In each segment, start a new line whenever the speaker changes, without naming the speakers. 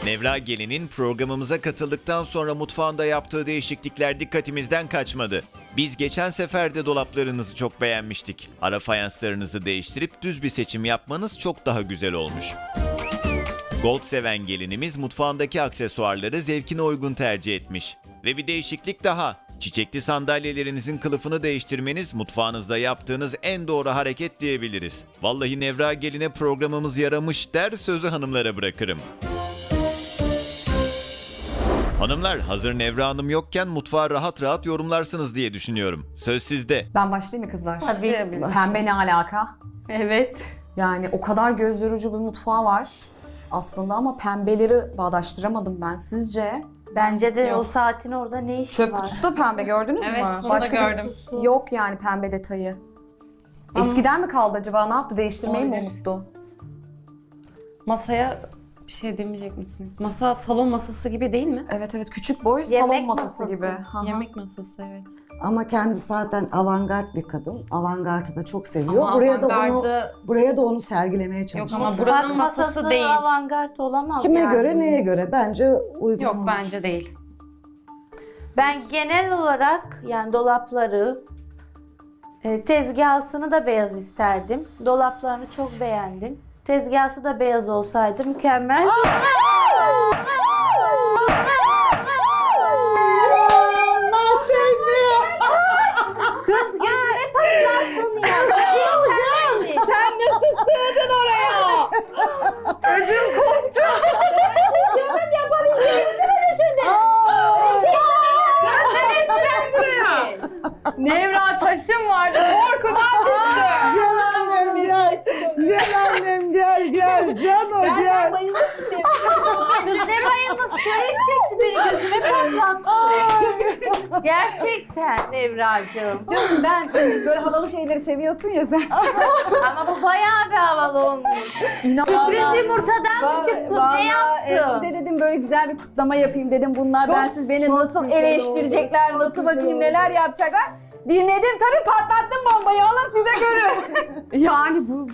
Nevra Gelin'in programımıza katıldıktan sonra mutfağında yaptığı değişiklikler dikkatimizden kaçmadı. Biz geçen sefer de dolaplarınızı çok beğenmiştik. Ara fayanslarınızı değiştirip düz bir seçim yapmanız çok daha güzel olmuş. Gold seven gelinimiz mutfağındaki aksesuarları zevkine uygun tercih etmiş. Ve bir değişiklik daha. Çiçekli sandalyelerinizin kılıfını değiştirmeniz mutfağınızda yaptığınız en doğru hareket diyebiliriz. Vallahi Nevra Gelin'e programımız yaramış der, sözü hanımlara bırakırım. Hanımlar, hazır Nevra Hanım yokken mutfağı rahat rahat yorumlarsınız diye düşünüyorum. Söz sizde.
Ben başlayayım mı kızlar?
Tabii.
Pembe ne alaka?
Evet.
Yani o kadar göz yorucu bir mutfağı var aslında ama pembeleri bağdaştıramadım ben. Sizce?
Bence de o saatin orada ne işi
Çöp
var?
kutusu da pembe gördünüz
Evet,
mü?
onu da gördüm.
Yok yani pembe detayı. Eskiden mi kaldı acaba? Ne yaptı? Değiştirmeyi mi
Olabilir.
unuttu?
Masaya bir şey demeyecek misiniz? Masa salon masası gibi değil mi?
Evet evet, küçük boy
Yemek
salon masası
masası.
gibi. Hı hı.
Yemek masası, evet.
Ama kendisi zaten avantgard bir kadın. Avantgardı da çok seviyor.
Ama
buraya da
avantgardı-
onu sergilemeye
Yok
çalışmış.
ama
Mutfak
buranın masası değil.
avantgard olamaz
Kime
yani.
göre, neye göre? Bence uygun
Yok,
olmuş.
bence değil.
Ben genel olarak yani dolapları, tezgahını da beyaz isterdim. Dolaplarını çok beğendim. Tezgahı da beyaz olsaydı mükemmel. Kız gözüme patlattın ya. Sen nasıl sığdın oraya? Ödüm koptu. Canım yapabileceğinizi mi düşündün? Sen ettiren buraya.
Nevra taşım vardı, korkudan düştü.
Gel annem gel. Gel annem gel. Cano gel.
Kız ne bayılması, çörek çekti beni, gözüme patlattı. Gerçekten Nevracığım.
Canım ben böyle havalı şeyleri seviyorsun ya sen.
Ama bu bayağı bir havalı olmuş. Sürpriz yumurtadan mı çıktın? Ne yaptın?
Size dedim böyle güzel bir kutlama yapayım dedim. Bunlar bensiz beni nasıl eleştirecekler, nasıl bakayım neler yapacaklar. Dinledim tabii, patlattım bombayı. Alın size görün.
Yani bu...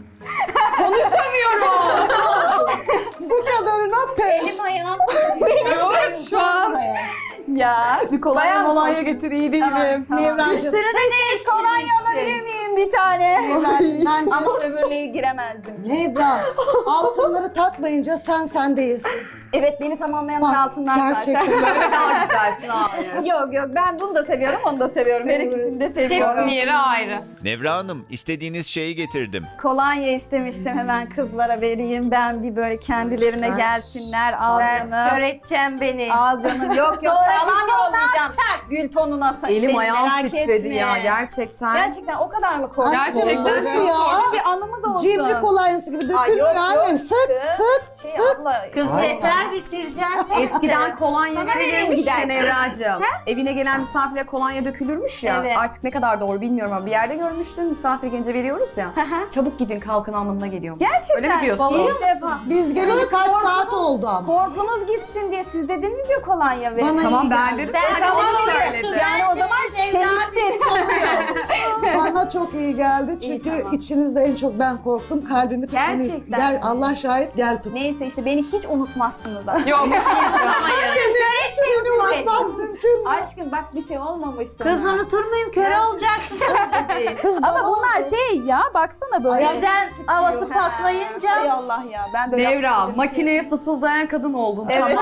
Bu kadarına pes.
Elim ayağım.
Şu an
Ya
bir kolonya
Bayağı
molonya getir, iyi değilim.
Nevracığım.
Üstünü de değiştirmişsin.
kolonya alabilir miyim bir tane?
Bence
Ama öbürüne giremezdim.
Nevra, altınları takmayınca sen değilsin.
Evet, beni tamamlayanlar
Bak,
altından
gerçekten
zaten.
Daha güzelsin abi.
Yok ben bunu da seviyorum, onu da seviyorum. Her ikisini de seviyorum.
Hepsinin yeri ayrı.
Nevra Hanım, istediğiniz şeyi getirdim.
Kolonya istemiştim, hemen kızlara vereyim. Ben bir böyle kendilerine gelsinler. Ağzını.
Kör edeceğim beni.
Ağzının yok
Sonra
falan
gül tonuna
yollayacağım. Gül tonuna
Elim
seni
ayağım
merak
titredi
etme.
ya gerçekten.
Gerçekten o kadar mı korktun?
Gerçekten
Böyle
çok
ya.
Bir anımız olsun.
Cimri kolonyası gibi dökülmüyor annem. Sık.
Şey abla.
Kız
Ay.
yeter, bitireceğim seni.
Eskiden kolonya
Sana vereyim
verilmiş ya
gider.
Nevracığım. Evine gelen misafire kolonya dökülürmüş ya.
Evet.
Artık ne kadar doğru bilmiyorum ama bir yerde görmüştüm. Misafir gelince veriyoruz ya. Çabuk gidin kalkın anlamına geliyor.
Gerçekten.
Öyle mi diyorsun?
İlk defa.
Biz geleli kaç
korkunuz-
saat oldu ama.
Korkunuz gitsin diye siz dediniz ya kolonya verin.
Bana
Tamam
iyi
ben
geldi.
dedim.
Sen
Tamam,
bizi
söyledi.
biliyorsun.
Yani o
Bence
zaman
Nevra
çeliştin.
bizi tanıyor.
Bana çok iyi geldi çünkü
tamam.
içinizde en çok ben korktum. Kalbimi tutmanı istedim.
Gerçekten.
Gel, Allah şahit, gel tut.
Neyse işte beni hiç unutmazsınız zaten.
Yok, unutamayız.
Seni unutmam mümkün mü?
Aşkım bak bir şey olmamış sana.
Kız unutur muyum? Köre olacaksın.
Kız
Ama
bana
bunlar
oldu.
şey ya, baksana böyle.
Evden havası
Hay
patlayınca.
Allah ya, ben böyle
Nevra,
yaptım.
makineye fısıldayan kadın oldun.
Evet.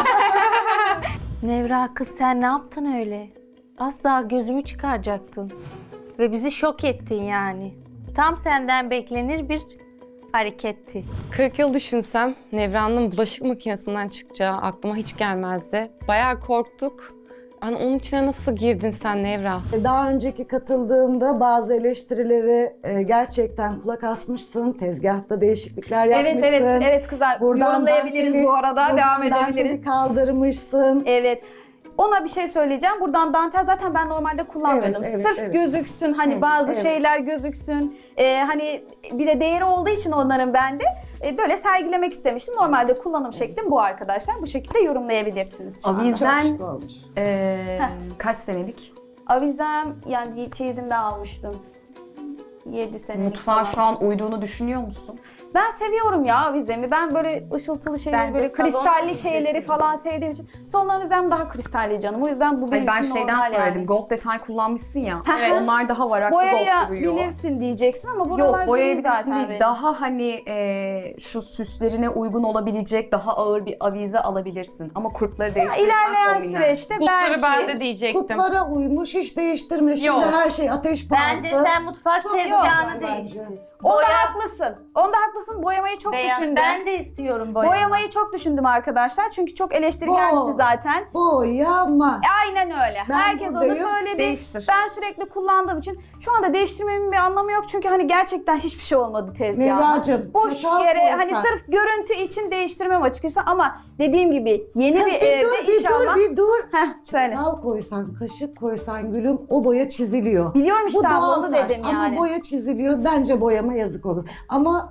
Nevra kız sen ne yaptın öyle? Az daha gözümü çıkaracaktın. Ve bizi şok ettin yani. Tam senden beklenir bir hareketti.
40 yıl düşünsem Nevra'nın bulaşık makinesinden çıkacağı aklıma hiç gelmezdi. Bayağı korktuk. Hani onun içine nasıl girdin sen Nevra?
Daha önceki katıldığımda bazı eleştirileri gerçekten kulak asmışsın. Tezgahta değişiklikler
Evet
yapmışsın.
evet kızlar, yorumlayabiliriz
danteli-
bu arada, devam
buradan
edebiliriz.
danteli kaldırmışsın.
Evet. Ona bir şey söyleyeceğim. Buradan dantel zaten ben normalde kullanmıyordum.
Evet, evet,
Sırf
evet.
gözüksün, hani bazı
evet.
şeyler gözüksün. Hani bir de değeri olduğu için onların bende böyle sergilemek istemiştim. Normalde kullanım şeklim bu arkadaşlar. Bu şekilde yorumlayabilirsiniz şu anda.
Avizen
Şık olmuş.
kaç senelik?
Avizem yani çeyizimde almıştım. 7 senelik
Mutfağa
falan.
şu an uyduğunu düşünüyor musun?
Ben seviyorum ya avizemi. Ben böyle ışıltılı şeyleri,
Bence
böyle
salon
kristalli
avizesi
şeyleri
gibi.
falan sevdiğim için. Salon avizem daha kristalli canım. O yüzden bu benim
Hani ben
için
şeyden
normal
söyledim.
yani.
Gold detay kullanmışsın ya.
Evet.
Onlar daha varaklı gold duruyor.
Boyayabilirsin diyeceksin ama buralar
Yok, boyayabilirsin
zaten
değil.
benim.
Daha hani şu süslerine uygun olabilecek daha ağır bir avize alabilirsin. Ama kurpları değiştirirsen
İlerleyen
kombinler.
süreçte
Kulpları ben
belki.
de diyecektim.
Kutlara uymuş, hiç değiştirme. Şimdi
Yok.
her şey ateş pahası.
Bence sen mutfak tezgahını
güzel
değiştir.
bence.
Onda
Boya-
haklısın. Onda haklısın. Boyamayı çok
Beyaz.
düşündüm.
Ben de istiyorum boyamayı.
Boyamayı çok düşündüm arkadaşlar. Çünkü çok eleştiri
Bo-
gelmişti zaten.
Boyama.
Aynen öyle.
Ben
Herkes onu
buradayım,
söyledi.
değiştir.
Ben sürekli kullandığım için şu anda değiştirmemin bir anlamı yok. Çünkü hani gerçekten hiçbir şey olmadı tezgahda.
Nevracığım,
Boş
çatal
yere
koysan.
hani sırf görüntü için değiştirmem açıkçası ama dediğim gibi yeni
Kız
bir
bir
evde
dur, bir
inşallah.
dur, bir dur.
Heh, söyle.
Çatal koysan, kaşık koysan gülüm o boya çiziliyor.
Biliyorum işte
Bu
abla,
doğal
onu
taş
dedim
ama
yani.
boya çiziliyor. Bence boyama yazık olur. Ama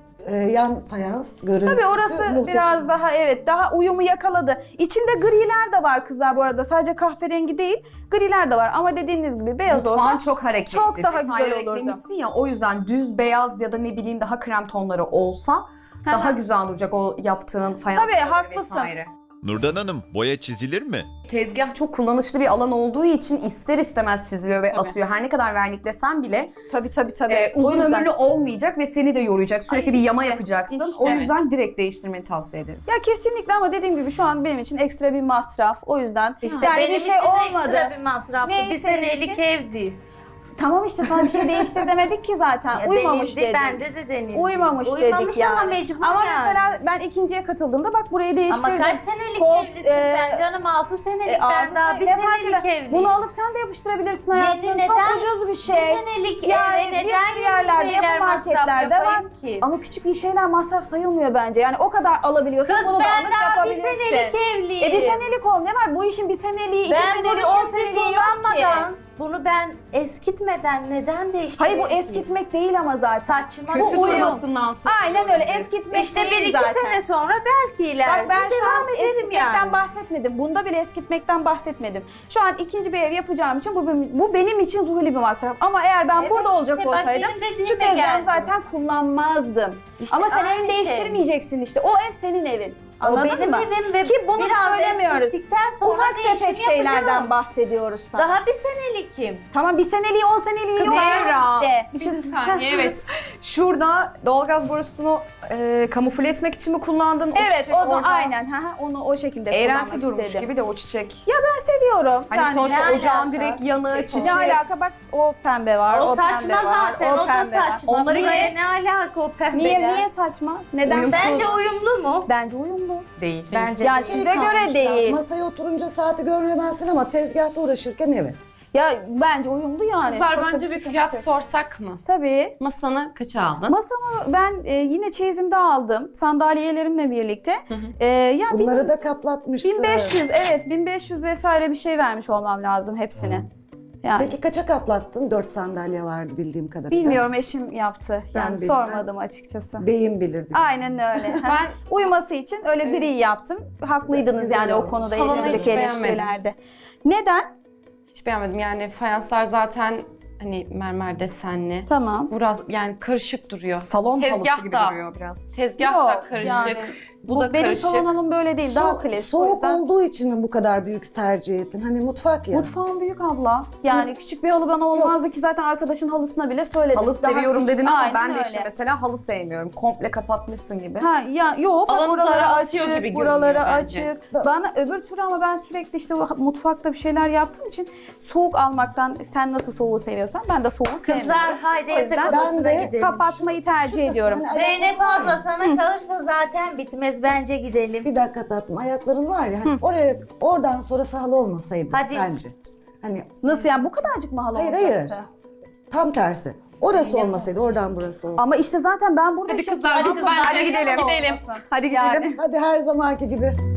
yan fayans görüntüsü
Tabii orası
muhteşem.
biraz daha evet daha uyumu yakaladı. İçinde griler de var kızlar bu arada. Sadece kahverengi değil griler de var ama dediğiniz gibi beyaz
Mutfağın
olsa
çok hareketli.
çok daha
Detayları
güzel olurdu.
eklemişsin ya, o yüzden düz beyaz ya da ne bileyim daha krem tonları olsa daha güzel duracak o yaptığın fayans.
Tabii, haklısın.
Nurdan Hanım, boya çizilir mi?
Tezgah çok kullanışlı bir alan olduğu için ister istemez çiziliyor ve atıyor. Her ne kadar verniklesen bile
tabii. O
uzun
yüzden-
ömürlü olmayacak ve seni de yoracak. Sürekli
Ay
bir yama
işte,
yapacaksın.
işte.
O yüzden direkt değiştirmeni tavsiye ederim.
Ya kesinlikle ama dediğim gibi şu an benim için ekstra bir masraf. O yüzden
İşte
yani
benim
bir şey
için de
olmadı.
ekstra bir masraftı.
Ne
Bir
senin
senelik
için?
ev değil.
Tamam işte sana bir şey değiştir demedik ki zaten.
Ya
Uymamış
denildi,
dedik.
bende de denildi.
Uymamış
Uymamış
dedik
ama
yani.
mecbur
Ama
yani.
mesela ben ikinciye katıldığımda bak burayı değiştirdim.
Ama kaç senelik
Kol-
evlisin sen canım? 6 senelik, ben daha bir
ne fark
senelik
eder?
evliyim.
Bunu alıp sen de yapıştırabilirsin hayatım.
Yeni,
Çok
neden?
ucuz bir
Bir
şey.
senelik
Yani
eve
bir
neden
sürü
yeni
yerlerde,
şeyler
yapı
masraf
marketlerde var.
yapayım ki?
Ama küçük şeyler masraf sayılmıyor bence. Yani o kadar alabiliyorsun.
Kız
bunu da
ben
alıp
daha bir
yapabilirsin.
senelik evliyim.
Bir senelik ol. Ne var? Bu işin bir seneliği, iki
Ben
seneliği,
bunu
10
şimdi
seneliği yok ki.
kullanmadan, bunu ben eskitmeden neden değiştireyim?
Hayır bu eskitmek değil ama zaten.
Saçma.
Kötü
Bu uyum.
durmasından sonra.
Aynen öyle eskitmek
İşte
değil
1-2
zaten.
sene sonra belki ileride
Bak ben şu an
devam ederim
eskitmekten
yani.
bahsetmedim. Bunda bile eskitmekten bahsetmedim. Şu an ikinci bir ev yapacağım için bu benim için zuhuli bir masraf. Ama eğer ben
Evet,
burada olacak
işte bak
olsaydım
benim dediğime
şu tezgahı
geldi.
zaten kullanmazdım.
İşte
Ama sen
aynı
evini
şey.
değiştirmeyeceksin işte. O ev senin evin. Anladın
o benim
mı?
evim ve
Ki bunu
biraz
söylemiyoruz.
eskittikten sonra
Ufak
değişim
tefek şeylerden
yapacağım.
bahsediyoruz sana.
Daha bir senelikim.
Tamam bir seneliği 10 seneliği yok
Zehra,
işte.
bir şey
Bir saniye, evet.
Şurada doğalgaz borusunu kamufle etmek için mi kullandın?
Evet
çiçek
onu
orada
aynen onu o şekilde
eğrelti
kullanmak
durmuş
istedim.
gibi de o çiçek.
Ya ben seviyorum.
Hani
Yani
sonuçta
ne
ocağın
alaka?
direkt yanı, çiçek.
ne alaka bak o pembe var,
O
o
saçma
pembe var,
zaten, o da
pembe var.
saçma.
Onları
Buraya
geç-
ne alaka o pembeler?
Niye saçma? Neden?
Uyumsuz.
Bence uyumlu mu?
Bence uyumlu.
Değil.
Bence
Yani
değil.
size göre
kalmış
değil.
biraz. Masaya oturunca saati göremezsin ama tezgahta uğraşırken evet.
Ya bence uyumlu yani.
Kızlar
Çok da
bence bir
sıkıntı
fiyat
yok.
sorsak mı?
Tabii.
Masanı kaça aldın?
Masamı ben yine çeyizimde aldım. Sandalyelerimle birlikte. Yani
Bunları da kaplatmışsın.
1500 evet 1500 vesaire bir şey vermiş olmam lazım hepsine. Yani
Peki kaça kaplattın? 4 sandalye vardı bildiğim kadarıyla.
bilmiyorum eşim yaptı.
Ben
Yani
bilmem.
sormadım açıkçası.
Beyim bilirdi.
Aynen öyle.
Ben
Uyuması için öyle gri yaptım. Haklıydınız
Güzel
yani o
olmuş.
konuda
Salonu hiç
önceki
beğenmedim.
eleştirilerde. Neden?
hiç beğenmedim. Yani fayanslar zaten hani mermer desenli.
Tamam.
Biraz yani karışık duruyor.
Salon halısı
Tezgah
gibi
da.
duruyor biraz.
Tezgah
Yok,
da karışık.
yani
bu da
benim
karışık.
salonum böyle değil. Daha klasik. o
Soğuk
yüzden-
olduğu için mi bu kadar büyük tercih ettin? Hani mutfak ya.
Mutfağım büyük abla. Yani küçük bir halı bana olmazdı ki zaten arkadaşın halısına bile söyledim.
Halı
Daha
seviyorum
küçük-
dedin ama
Aynen
ben de
öyle.
işte mesela halı sevmiyorum. Komple kapatmışsın gibi.
Ha ya yok bak
Alanı
buraları
daraltıyor
açık,
gibi
buraları
görünüyor bence.
açık. Bana öbür türlü ama ben sürekli işte mutfakta bir şeyler yaptığım için soğuk almaktan sen nasıl soğuğu seviyorsan ben de soğuğu sevmiyorum.
Kızlar haydi
O yüzden
yatak
ben
odasına
de
gidelim.
kapatmayı tercih ediyorum.
Hani
Zeynep
ayakların var
abla
ya.
sana kalırsa zaten bitmez, bence gidelim.
Bir dakika tatlım. Ayakların var ya. Hani oradan sonrası halı olmasaydı
Hadi.
bence. Hani
Nasıl yani bu kadarcık mı halı
hayır
olacaktı?
hayır. Tam tersi. Orası olmasaydı oradan burası olsaydı.
Ama işte zaten ben burada
Hadi
şey
kızlar,
yapıyorum.
hadi bence
Hadi
gidelim.
olmasın.
Hadi
Yani.
gidelim.
Hadi her zamanki gibi.